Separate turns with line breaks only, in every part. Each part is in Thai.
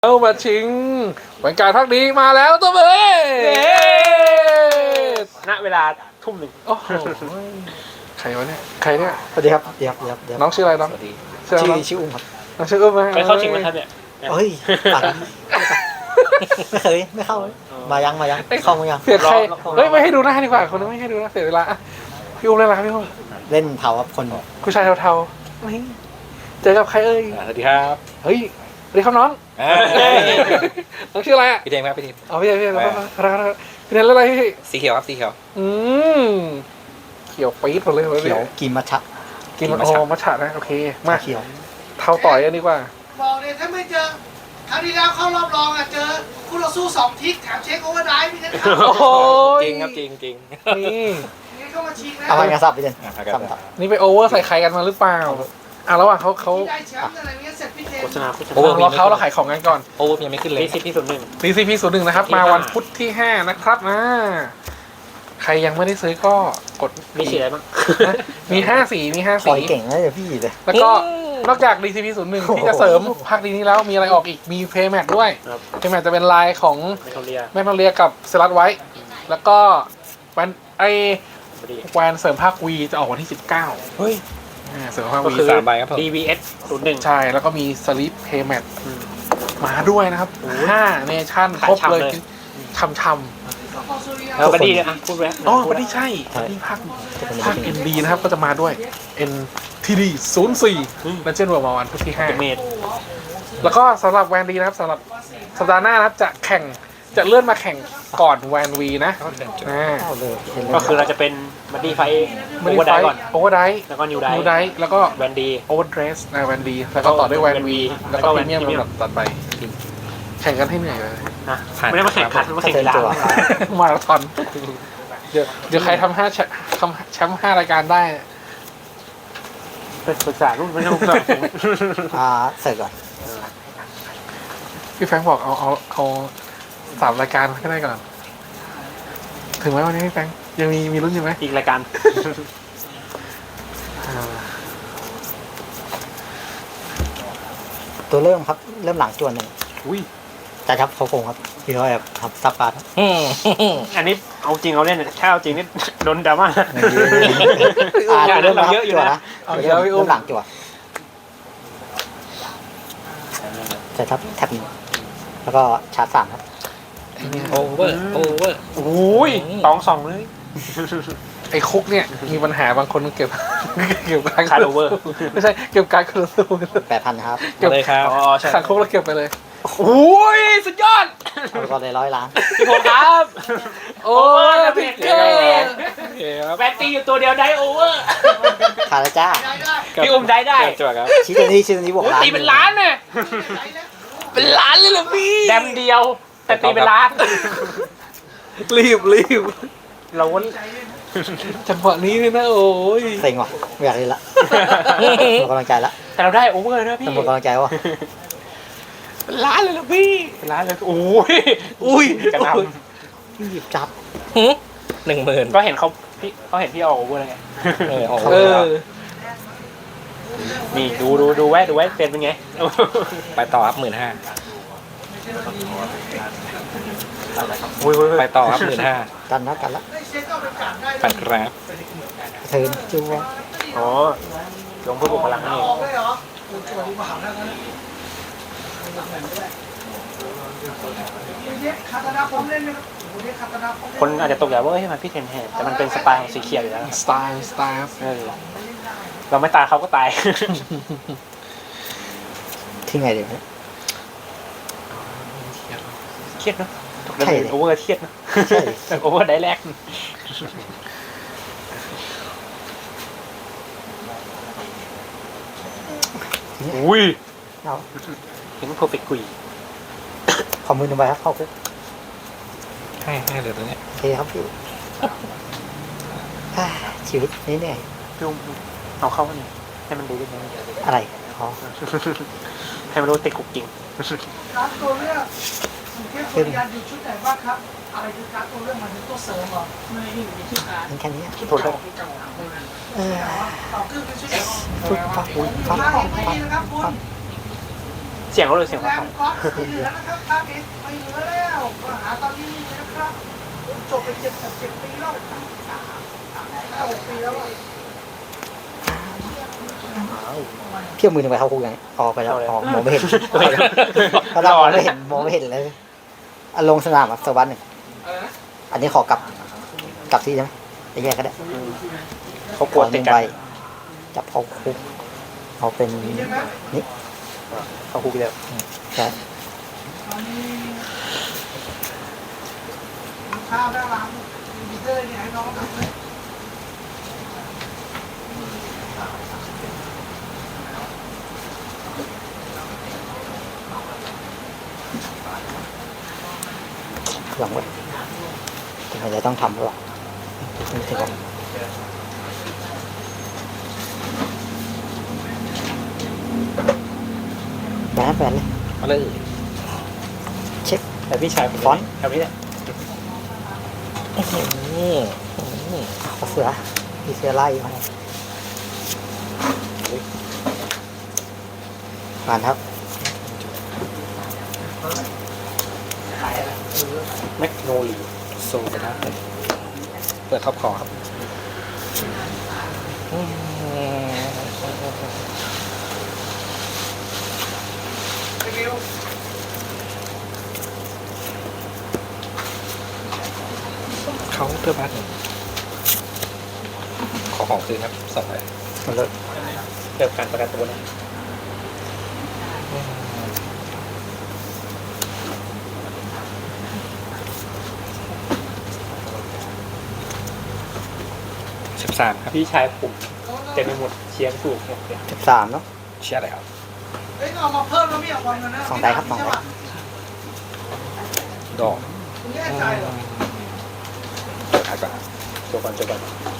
เอามาชิงบรรยากาศพักดีมาแล้วตัวเบ้
ณเวลาทุ่มหนึ่ง
โอ้โหใครวะเนี่ยใครเนี่ย
สวัสดีครับเดี๋ยว
น้องชื่ออะไรน้อง
ชื่ออุ้มครับ
น้องชื่ออุ้มไหม
ไปเข้าชิงไหมครับเนี่ย
เฮ้ยไม่เคยไม่เข้ามายังเข้ามายัง
เสียใครเฮ้ยไม่ให้ดูหน้าดีกว่าคนนึงไม่ให้ดูหน้าเสียเวลาพี่อุ้มเล่นอะไรครับพี่อุ้ม
เล่นเผาครับคน
ผู้ชายเทาๆนี่เจอกับใครเอ้ย
สวัสดีครับ
เฮ้ยสวัสดีครับน้องน้องชื่ออะไรอ่ะ
พี่เทมครับพี่เทม
อ๋อพี่แล้วก็พี่เทมเล่นอะไรพี่
สีเขียวครับสีเขียว
เขียวปี๊ดหมดเลย
เขียวกินมัทฉะ
กินโอ้มัทฉะนะโอเคมา
เขียว
เทาต่อยกันดีกว่า
บอกเลยถ้าไม่เจอครั้งที่แล้วเข้ารอบรองอ่ะเจอคู่ต่อสู้2 ทิกแถมเช็คโอเวอร์ไดฟ์พี่เทนครับ
โอ้โห
จริงครับจริง
นี่
นี่เข้ามาชิงแล้ว
เอาไปงานสับพี่เจนสับ
นี่ไปโอเวอร์ใส่ใครกันมาหรือเปล่าระหว่างเขา
ที่ได้แชมป์อะไรเงี้ยเสร็จพี่เทน
โฆษณา
เราขายของกันก่อน
โอ้ยังไม่ขึ้นเลย
DCP01นะครับมาวันพุธที่5นะครับใครยังไม่ได้ซื้อก็กด
มีสีอะไรบ้าง
มี5 สี
คอยเก่งนะเดี๋ยวพี่เลย
แล้วก็นอกจาก DCP01 ที่จะเสริมภาคดีนี้แล้วมีอะไรออกอีกมีเพย์แมทด้วยเพย์แมทจะเป็นลายของแมกโนเลียกับเซรัสไว้แล้วก็แวนเสริมภาควีจะออกวันที่19
เฮ้ย
เสริมภาควี
3 ใบครับผม
DVS01
ใช่แล้วก็มีสลิปเพย์แมทมาด้วยนะครับ5เนชั่นครบเลยช่ำ
แล้วบัดดี้เนี่ยพูดไว้
อ๋อบัดดี้ใช่บัดดี้ภาค ND นะครับก็จะมาด้วย NTD 04และเช่นเวิร์มาวันพุธที่5แล้วก็สำหรับแวนดีนะครับสำหรับสัปดาห์หน้านะครับจะเลื่อนมาแข่งก่อนแวนวีนะ
ก็คือเราจะเป็นบัดดี้ไฟโอเวอร์ไดก่อน
โอเวอร์ได
แล้วก็นิวได
แล้วก็
แวนดี
โอเวอร์เดรสแวนดีแล้วก็ต่อด้วยแวนวีแล้วก็พรีเมียมลำดับต่อไปแข่งกันให้เหนื่อยเลย
ไม่ได้มาแข่งขันมาแข่งกีฬา
มาราธอนเดี๋ยวใครทำแชมป์5 รายการได้
ปรึกษารุ่นไม่ต้องปรึกษา
เสร็จก่อน
พี่แฟงบอกเอา3 รายการก็ได้ก่อนถึงไหมวันนี้พี่แฟงยังมีรุ่นอยู่ไหม
อีกรายการ
ตัวเริ่มครับเริ่มหลังจวนหนึ่ง
อุ้ย
จะทับเขาโกงครับพี่เขาแบบทำซับการ์ด
อันนี้เอาจริงเอาเล่นถ้าเอาจริงนี่โดนดราม่า
เริ่มเยอะอยู่นะเริ่มหลังจวนจะทับแท็บหนึ่งแล้วก็ชาร์จ3ครับ
โอเวอร์
โอ้ย
2เลย
ไอ้คุกเนี่ยมีปัญหาบางคนเก็บการ
คาร์โอเวอร์
ไม่ใช่เก็บการคาร์โอเวอร์
8,000ครับ
เก็บ
เลยครับ
ขังคุกแล้วเก็บไปเลยโอ้ยสุดยอด
เอาก็เลย100 ล้าน
พี่ผมครับ
โอ้ยพิกเกอร์
แบตตี้อยู่ตัวเดียวได้โอเวอร์
ขาดแล้วจ้า
พี่อุ้มได้
จั่วครับ
ชี้ตัวนี้บวกล้าน
ตีเป็นล้านเนี่ย
เป็นล้านเลยเหรอพี่
แดมเดียวแต่ตีเป็นล้าน
รีบ
เรา
จังหวะนี้เลยนะโอ้ย
เซ็งว่ะไม่อยากเล่นละหมดกำลังใจละ
แต่เราได้โอเวอร์นะพี่
หมดกำลังใจว่ะ
เป็นล้านเลยเหรอพี่
เป็นล้านเลยโอ้ยกระน
ำหยิบจับ
10,000
ก็เห็นเขาพี่เอาโอเวอร์แล้วไงนี่ดูไว้เป็นไง
ไปต่อครับ15,000ไปต่อครับ15,000
กันละ
ปั่นครับ
เทินจัว
อ๋อลงเพื่อบุกพลังนี่คนอาจจะตกใจว่าเฮ้ยมันพี่เทนแฮแต่มันเป็นสไตล์ของสีเขียวอยู่แล้ว
สไตล์
เราไม่ตายเขาก็ตาย
ที่ไงดี
เครียดเนาะใช่โอเวอร์เครียดนะโอเวอร์ได้แรกอุ้ยเห็นเพอร์เฟกต์กุย
ขอมือหนึ่งใบครับเข้าคุก
ให้เหลือตัวนี้
โอเคครับพี่ชีวิตนี้เนี่ย
พี่เอาเข้ามานี่ให้มันดูได้ไหม
อะไรอ๋อ
ให้มันรู้ติดกุกจริง
การตัวเลือกเทพสุริยันอยู่ชุดไหนบ้างครับอะไรคือการตัวเลือกมันเป็นตัวเสริมเหรอไม่อยู่ในชุดการ
แค่นี้
ชุดตัวเลือก
ต่อคือชุดไหน
ฟัก
ไม่ดีนะครับคุณ
เสียงเขาเลยเสียง
แร
เขา
มก๊อตสีเหลืองนะครับภาคนี้ไม่เหลือแล้วมาหาตอนนี้นะครับจบไป7 ปีแล้ว5-6 ปีแล้ว
เที่ยวมือหนึ่งไปเข้าคุกยังออกไปแล้วออกมองไม่เห็นก็เรามองไม่เห็นเลยลงสนามสักวันหนึ่งอันนี้ขอกลับที่ใช่ไหมจะแยกก็ได้
เขากลัวติดกัน
ไปจับเข้าคุกเอาเป็นนี่
เขาคุกแล้ว
ใช่
ข้าวได้ร้านมีเตอร์เนี่ยให้น้องทำเลย
หวังว่าทำไมจะต้องทำหรอไม่ถึงหรอกแบนเลย
มาเลย
เช็ค
แต่พี่ชาย
ฟอนต์
แบบนี้แหละ
เอาเสือมีเสือไล่มาผ่านครับ
แมกโนลี
โซไปนะเปิดท็อปคอครับเขาเพื่อบ้านหนึ่งขอของคืนครับสองใบ
มันเลย
เกี่ยวกับการประกันตัวนะ
13 ครับ
พี่ชายผมเต็มไปหมดเชียร์ถูกหมดเลย
13เนาะ
เชื่ออะไรครับ
เฮ้ยเอามาเพิ่มแล้วไม่เอาความเงินนะ
สองได้ครับสองได้
ดอก
คุณแน่ใจเหรอ
เปิดท้ายก่อน
จบก่อนจบก่อน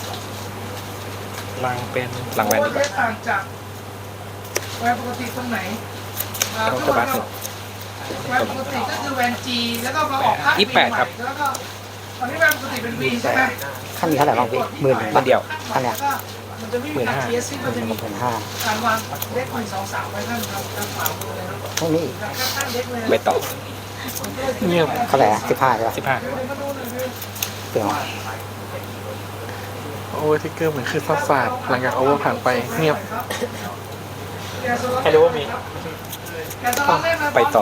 ลังเป็นลังแวนดีกว่า
ต่างจากแวนปกติตรงไหน
เขาเพื่อบ้านหนึ่ง
แวนปกติก็คือแวนจีแล้วก็มาออกค่า
28ครับ
แล้วก็ตอนนี้แวนปกติเป็นวีใช่ไหม
ขั้นนี้เท่าไหร่บ้างพี่10,000
คนเดียว
ขั้นเนี้ย
มันจะไม่มีการเทียสซิ่งมันจะมี
15,000
การวางเด็ก1 2 3ไว้ข้างครับข้างขวามือเลยนะ
ไม่มีอีก
ข้างเด็กเลย
ไปต่อ
เงียบ
เท่าไหร่อะ15ใช่ปะ
15
เปลี่ยน
โอเวอร์ทิกเกอร์เหมือนคือซัดศาสตร์หลังจากโอเวอร์ผ่านไปเงียบ
ใครรู้ว่ามี
ไปต่อ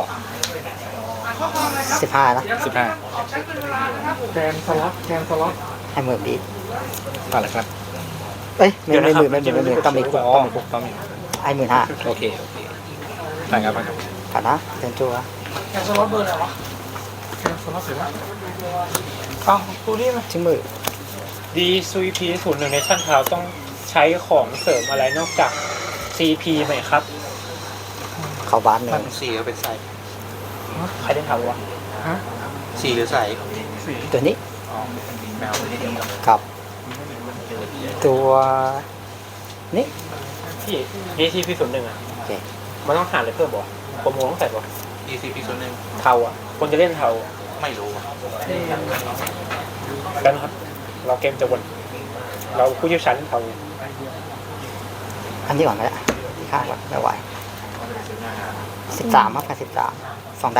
15นะ
15
แกนสล็อตแกนสล็อต
ให้หมื่นดี
ต่อเลยครับ
เอ้ยไม่หมื่นต้องมีคุก
อ๋อ
ต้องมีคุก
ต้องมี
ให้15,000
โอเคต่างกันไปครับ
ผ่านนะเซนจัว
แกนสล็อตเบอร์อะไรวะ
แกนสล็อตเสร็จแล้ว
เอ้าตัวนี้ไหม
ชิ้นมือ
ดีซูพี01ในชั้นเท้าต้องใช้ของเสริมอะไรนอกจาก CP ไหมครับ
เข้าบ้านหนึ่ง
มันสีก็เป็นใส
ใครได้ทำวะ
ฮะ
สีหรือใส
สี
ตัวนี้
แมวไม่ได้เดียว
กับตัวนี้
พี่ DCP 01อ่ะ
โอเค
มันต้องหาอะไรเพิ่มบ่โปรโมต้องใส่บ่
ECP ส่วนหนึ่ง
เทาอ่ะ คนจะเล่นเทา
ไม่รู้อะ
กันครับ เราเกมจะวนเราผู้เชี่ยวชาญเล่นเทา
อันนี้ก่อนก็ได้ที่ข้างก่อนไม่ไหว13ครับกับ13 2ได้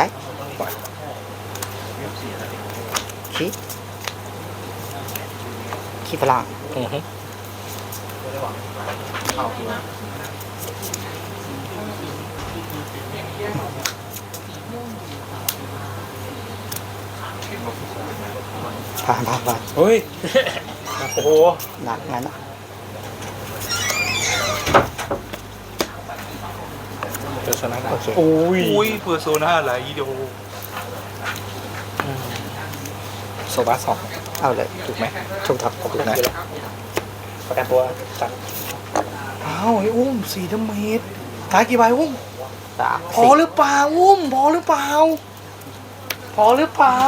ขี้พลัง
อือฮึ
ผ่าน
เฮ้ย โอ้โห
หนักงั้นนะ
เจอชนะได้
โอเค
อุ้ยเพอร์โซน่าอะไรอีโด
โซบาสอง
เอาเลย
ถูกไหม
ถูกทับ
ถูกนะ
ประกันตัวสั่ง
อ้าวไอ้อุ้ม4 ดาเมจขายกี่ใบอุ้ม
3
พอหรือเปล่าอุ้มพอหรือเปล่า พอหรือเปล่า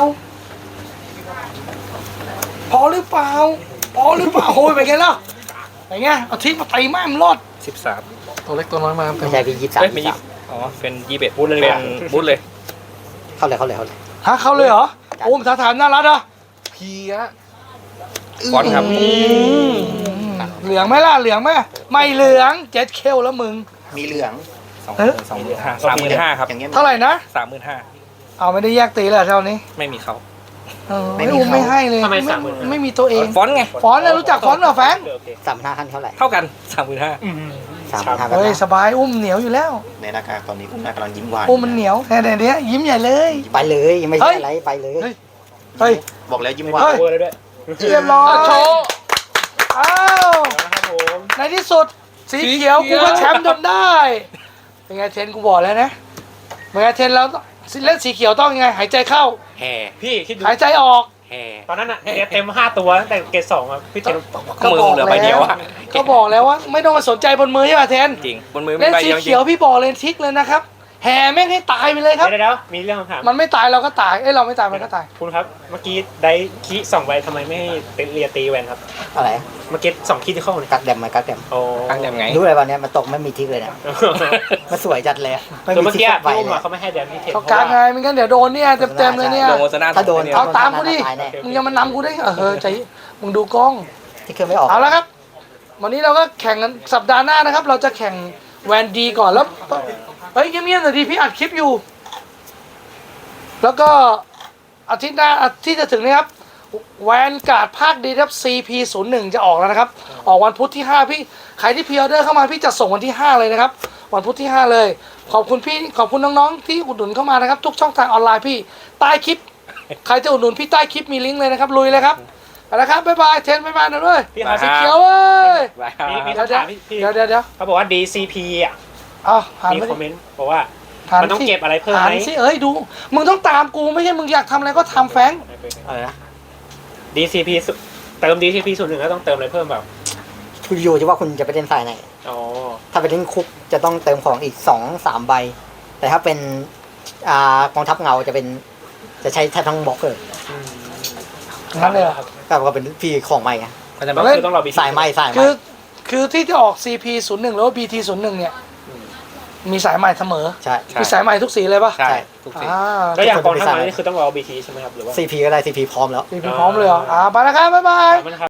พอหรือเปล่า พอหรือเปล่าโอ้ยไปนไงล่ะไปนไงเอาทิ้งมาตีแม่มรอด
13
ตัวเล็กตัวน้อยมาเต็
ไม่
ม
ใช่พี่23
เอ้ยไม่ยิบอ๋อเป็น21บูทเลยเป็นบูทเลย
เข้าเลย
ฮะเข้าเลยเหรออุ้มถามน่ารักอ่ะ
เพีย
ฟอนต์ครับ
เหลืองไหมล่ะเหลืองไหมไม่เหลืองเจ็ดเคลแล้วมึง
มีเหลือง
35,000ครับ
เท่าไหร่นะ
35,000
เอาไม่ได้แยกตีเลยเท่านี้
ไม่มีเขา
ไม่อุ้มไม่ให้เลย
ทำไม
ไม่มีตัวเอง
ฟอนต์ไง
ฟอนต์น่ะรู้จักฟอนต์เหรอแฟง
โอเค
35,000ขั้นเท่าไหร่
เท่ากัน 35,000
35,000
เฮ้ยสบายอุ้มเหนียวอยู่แล้ว
ในหน้ากากตอนนี้คุณแม่กำลังยิ้มหวาน
อุ้มมันเหนียวแต่เนี้ยยิ้มใหญ่เลย
ไปเลยไม่
เฮ้
ใช่
ย
อะไรไปเลย
เฮ้ย เฮ้ย
บอกแล้วยิ้มหวาน
เฮ้ย
เวอร์แล้วด้วย
เรียบร้อย
โชว์
อ้าว
นะครับผม
ในที่สุดสีเขียวกูก็แชมป์จนได้เป็นไงเทนกูบอกแล้วนะเป็นไงเทนแล้วเล่นสีเขียวต้องยังไงหายใจเข้า
แห่
พี่คิดดู
หายใจออก
แห่
ตอนนั้นอ่ะเต็ม5ตัวตั้งแต่เกรด2อ่ะพี่เจน
ก็มือเหลือใบเดียวอะ
ก็บอกแล้วว่าไม่ต้องมาสนใจบนมือใช่ป่ะเทน
จริงบนมือมี
เล่น
ใบ
สี
เดียวจริ
เขียว
ง
พี่บอกเลยทิกเลยนะครับแห่แม่งให้ตายไปเลยครับ
เดี๋ยวมีเรื่องคำถาม
มันไม่ตายเราก็ตายเราไม่ตายมันก็ตาย
คุณครับเมื่อกี้ได้คี2ใบทำไมไม่ให้เรียตีแวนครับ
อะไร
เมื่อกี้2คีที่เข้าเนี่ย
กักแดมกักแดม
โอ้
ตั้งยังไง
รู้อะไรวันนี้มันตกไม่มีทิกเลยนะมันสวยจัดเลยอะไม่
คือ
มี
เมื่อ
ทิก
กี้
สักใบ
พี่อุ้ม
เลย
อะเขาไม่ให้แดมที่เทน
เขากางไงไม่งั้นเดี๋ยวโดนเนี่ยเต็มๆเลยเนี่ย
โดนโมซาน่า
ถ้าโดน
เอาตามกูดิ
ตายแน่
มึงยังมานำกูได้ใจมึงดูกล้อง
ที่เครื่องไม่ออก
เอาละครับ วันนี้เราก็แข่งกันสัปดาห์หน้านะครับ เราจะแข่งแวนดีก่อนแล้วเฮ้ยเงียบๆหน่อยดิพี่อัดคลิปอยู่ แล้วก็อาทิตย์หน้าอาทิตย์จะถึงนี้ครับแวนการ์ดภาคดีครับ CP01 จะออกแล้วนะครับ ออกวันพุธที่ 5 พี่ใครที่พรีออเดอร์เข้ามาพี่จะส่งวันที่ 5 เลยนะครับ วันพุธที่ 5 เลย ขอบคุณพี่ขอบคุณน้องๆที่อุดหนุนเข้ามานะครับ ทุกช่องทางออนไลน์พี่ใต้คลิป ใครจะอุดหนุนพี่ใต้คลิปมีลิงก์เลยนะครับลุยเลยครับเอาละครับบ๊ายบายเทนบ๊ายบายนะด้วย
พี่ครับ
สีเขียวเว้ย
มี
เดี๋ยว
คำถามพี่
เดี๋ยว
เขาบอกว่า DCP อ่ะ
เอาหัน
มี
ไป
คอมเมนต์บอกว่า
หัน
มันต้อง
สิ
เก็บอะไรเพิ่มไหม
หันสิเอ้ยดูมึงต้องตามกูไม่ใช่มึงอยากทำอะไรก็ทำแฟง
อะไรนะ
DCP เติม DCP 01แล้วต้องเติมอะไรเพิ่มแบบ
คุณอยู่ที่ว่าคุณจะไปเล่นสายไหน
อ๋อ
ถ้าไปเล่นคุกจะต้องเติมของอีก 2-3 ใบ แต่ถ้าเป็นกองทัพเงาจะใช้แทบทั้งบล็อกเลย
งั้นเลยเหรอ
ก็เป็นพี่ของใหม่ไง
เขาจะ
ก็
แบบ
คือต้องรอ BT
สายใหม่
คือที่จะออก CP01 หรือว่า BT01 เนี่ยมีสายใหม่เสมอ
ใช่
มีสายใหม่ทุกสีเลยป่ะ
ใช่ทุกสิ่ง
แล้วอย่างกองทัพมานี่คือต้องรอ BT ใช่ไหมครับหรือว่า
CP ก็ได้ CP พร้อมแล้ว
CP พร้อมเลยเหรอไปแล้วครับบ๊ายบาย
มันครับ